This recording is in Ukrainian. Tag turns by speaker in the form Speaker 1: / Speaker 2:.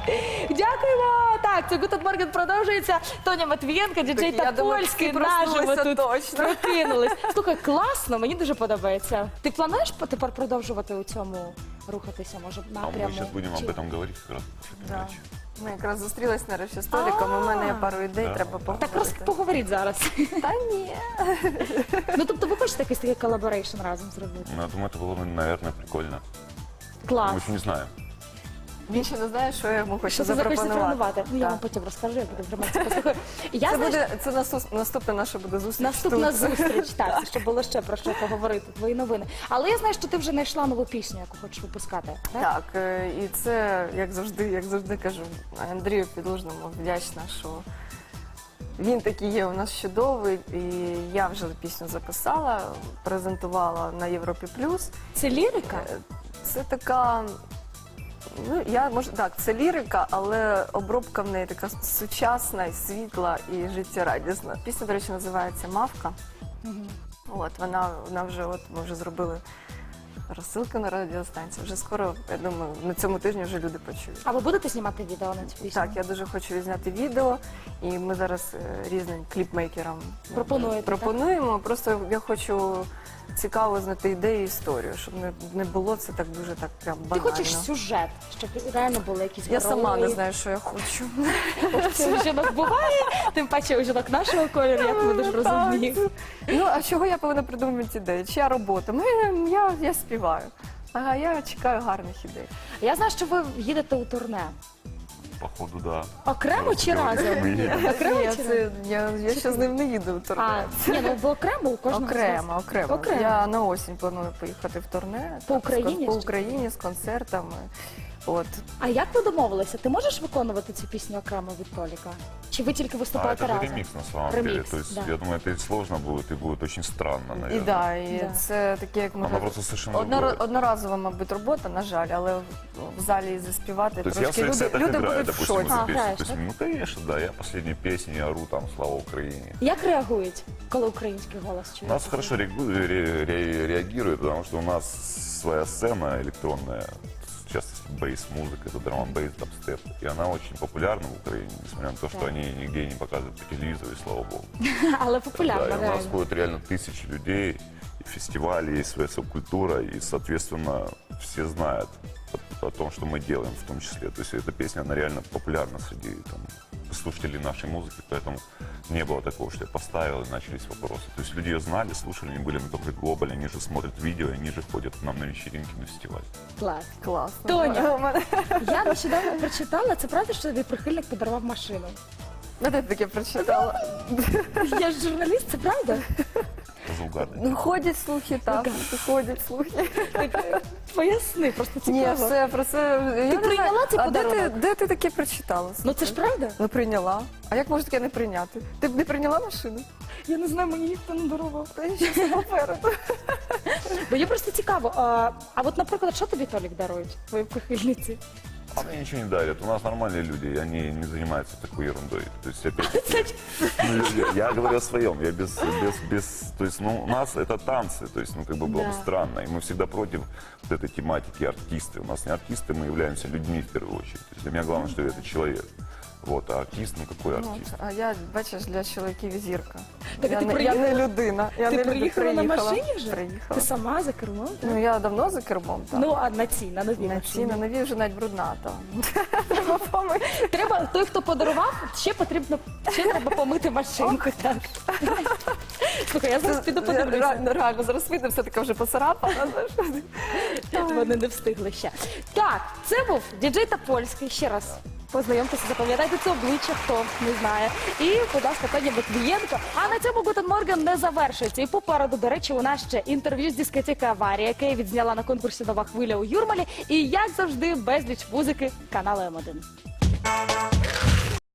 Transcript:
Speaker 1: Дякуємо. Так, це Гутен Морген продовжується. Тоня Матвієнко, діджей
Speaker 2: Так, я
Speaker 1: та
Speaker 2: думаю,
Speaker 1: польський
Speaker 2: всі
Speaker 1: наживо
Speaker 2: проснулися
Speaker 1: тут
Speaker 2: точно.
Speaker 1: прокинулись. Слухай, класно, мені дуже подобається. Ти плануєш тепер продовжувати у цьому рухатися, може,
Speaker 3: А
Speaker 1: напряму?
Speaker 3: мы сейчас будем
Speaker 1: Чи-
Speaker 3: об этом говорить как раз после
Speaker 2: Да.
Speaker 3: передачи.
Speaker 2: Ми якраз зустрілись нарешті з Толіком, у мене є пару ідей,
Speaker 3: Да.
Speaker 2: треба
Speaker 1: Так
Speaker 2: поговорити.
Speaker 1: просто поговоріть зараз.
Speaker 2: Та ні.
Speaker 1: Ну, тобто ви хочете якийсь такий колаборейшн разом зробити?
Speaker 3: Ну, я думаю, это было бы, наверное, прикольно.
Speaker 1: Клас.
Speaker 3: Мы еще не знаем.
Speaker 2: Він ще не знає, що я йому хочу
Speaker 1: Що це захочеться
Speaker 2: запропонувати.
Speaker 1: запропонувати? Ну, я
Speaker 2: Так.
Speaker 1: вам потім розкажу, я буду в громадці послухаю. Я,
Speaker 2: Це
Speaker 1: знаєш,
Speaker 2: буде наступна наша буде зустріч.
Speaker 1: наступна
Speaker 2: тут.
Speaker 1: зустріч, так, це щоб було ще про що поговорити, твої новини. Але я знаю, що ти вже знайшла нову пісню, яку хочеш випускати. Так?
Speaker 2: Так, і це, як завжди кажу, Андрію Підлужному вдячна, що він такий є у нас чудовий, і я вже пісню записала, презентувала на Європі Плюс.
Speaker 1: Це лірика?
Speaker 2: Це така, ну так, це лірика, але обробка в неї така сучасна, і світла і життєрадісна. Пісня, до речі, називається Мавка. От вона вже ми вже зробили розсилку на радіостанцію. Вже скоро, я думаю, на цьому тижні вже люди почують.
Speaker 1: А ви будете знімати відео на цю пісню?
Speaker 2: Так, я дуже хочу відзняти відео, і ми зараз різним кліпмейкерам пропонуємо. Просто я хочу цікаво знати ідею і історію, щоб не було це так дуже так прям
Speaker 1: Ти
Speaker 2: банально.
Speaker 1: хочеш сюжет, щоб реально були якісь
Speaker 2: Я
Speaker 1: герої?
Speaker 2: сама не знаю, що я хочу.
Speaker 1: Це у жінок буває, тим паче у жінок нашого кольору, як ми дуже розуміємо.
Speaker 2: Ну, а чого я повинна придумати ідеї? Чия робота? Я співаю. Ага, я чекаю гарних ідей.
Speaker 1: Я знаю, що ви їдете у турне.
Speaker 3: Походу, да.
Speaker 1: Окремо чи разом?
Speaker 3: Мы едем.
Speaker 1: Окремо
Speaker 2: Ні,
Speaker 1: чи разом?
Speaker 2: я ще з ним не їду в
Speaker 1: А,
Speaker 2: турне.
Speaker 1: ні, ну ви окремо у кожного з вас?
Speaker 2: Окремо.
Speaker 1: Окремо.
Speaker 2: Я на осінь планую поїхати в турне.
Speaker 1: По
Speaker 2: Так,
Speaker 1: Україні
Speaker 2: По
Speaker 1: ще?
Speaker 2: Україні з концертами. От.
Speaker 1: А як ви домовилися? Ти можеш виконувати цю пісню окремо від Толіка? Чи ви тільки
Speaker 3: А
Speaker 1: виступаєте
Speaker 3: это же
Speaker 1: разом?
Speaker 3: ремикс на самом
Speaker 1: Ремикс,
Speaker 3: деле. То есть,
Speaker 1: да.
Speaker 3: я думаю, это и сложно будет, и будет очень странно,
Speaker 2: І
Speaker 3: наверное.
Speaker 2: да,
Speaker 1: Да.
Speaker 2: це таке, як
Speaker 3: Она
Speaker 2: може
Speaker 3: просто совершенно другое.
Speaker 2: одноразова, мабуть, робота, на жаль, але в залі заспівати
Speaker 3: То есть я в
Speaker 2: трошки
Speaker 3: своих сетах
Speaker 2: люди
Speaker 3: играю,
Speaker 2: будуть в
Speaker 3: допустим,
Speaker 2: шоці.
Speaker 1: А,
Speaker 3: эту песню.
Speaker 1: играешь,
Speaker 3: То есть,
Speaker 1: да?
Speaker 3: ну, конечно, да, я последние песни ору там «Слава Украине».
Speaker 1: Як реагують, коли український голос
Speaker 3: У
Speaker 1: чують?
Speaker 3: нас хорошо реагируют, потому что у нас своя сцена электронная, в частности бейс-музыка, это драм-бейс, дабстеп. И она очень популярна в Украине, несмотря на то, что
Speaker 1: Да.
Speaker 3: они нигде не показывают по телевизору, и слава богу.
Speaker 1: Але
Speaker 3: Да,
Speaker 1: популярно,
Speaker 3: и у нас
Speaker 1: реально.
Speaker 3: ходят реально тысячи людей, и фестивали, и своя субкультура, и, соответственно, все знают о том, что мы делаем в том числе. То есть эта песня, она реально популярна среди там, слушателей нашей музыки, поэтому не было такого, что я поставил, и начались вопросы. То есть люди ее знали, слушали, они были на том же Глобале, они же смотрят видео, они же ходят к нам на вечеринки, на фестиваль.
Speaker 1: Клас.
Speaker 2: Класно.
Speaker 1: Тоня.
Speaker 2: У мене-
Speaker 1: Я нещодавно прочитала, це правда, що тобі прихильник подарував машину?
Speaker 2: Ну, ти таке прочитала.
Speaker 1: Я ж журналіст, це правда?
Speaker 3: Разугарный.
Speaker 2: Ну, ходять слухи, так, ходять слухи.
Speaker 1: Поясни, просто
Speaker 2: Ні,
Speaker 1: цікаво.
Speaker 2: все, про це... я не
Speaker 1: прийняла
Speaker 2: знаю.
Speaker 1: цей
Speaker 2: А
Speaker 1: подарунок?
Speaker 2: де ти таке прочитала?
Speaker 1: Ну це ж правда?
Speaker 2: Ну, прийняла. А як можна таке не прийняти? Ти б не прийняла машину?
Speaker 1: Я не знаю, мені ніхто не дарував.
Speaker 2: Та я ще попереду.
Speaker 1: Мені просто цікаво. А от, наприклад, що тобі Толік дарують, твої прихильниці?
Speaker 3: А мне ничего не дарят. У нас нормальные люди, и они не занимаются такой ерундой. То есть, опять-таки, ну, я говорю о своем. Я то есть, ну, у нас это танцы, то есть, ну, как бы было
Speaker 1: Да.
Speaker 3: бы странно. И мы всегда против вот этой тематики артисты. У нас не артисты, мы являемся людьми в первую очередь. То есть, для меня главное, что это человек. Вот, а артист, ну какой артист?
Speaker 2: А я, бачиш, для чоловіків зірка.
Speaker 1: Так, а
Speaker 2: Я
Speaker 1: ти
Speaker 2: не
Speaker 1: приїхала?
Speaker 2: людина. Я
Speaker 1: Ти
Speaker 2: не
Speaker 1: приїхала на машині вже?
Speaker 2: Приїхала.
Speaker 1: Ти сама за кермом? так?
Speaker 2: Ну, я давно за кермом, так.
Speaker 1: Ну, а на цій, на новій
Speaker 2: на
Speaker 1: машині.
Speaker 2: ці, на нові вже навіть брудна, так. Треба помити.
Speaker 1: Треба, той, хто подарував, ще треба помити машинку. Так. Слухай, я зараз піду подивлюся.
Speaker 2: Реально, зараз видно, все таке вже поцарапана.
Speaker 1: Вони не встигли ще. Так, це був діджей та польський. Ще раз познайомтеся, запам'ятайте це обличчя, хто не знає. І, будь ласка, Тоня Матвієнко. А на цьому Гутен Морген не завершується. І попереду, до речі, у нас ще інтерв'ю з дискотеки «Аварія», яке я відзняла на конкурсі «Нова хвиля» у Юрмалі. І, як завжди, безліч музики каналу М1.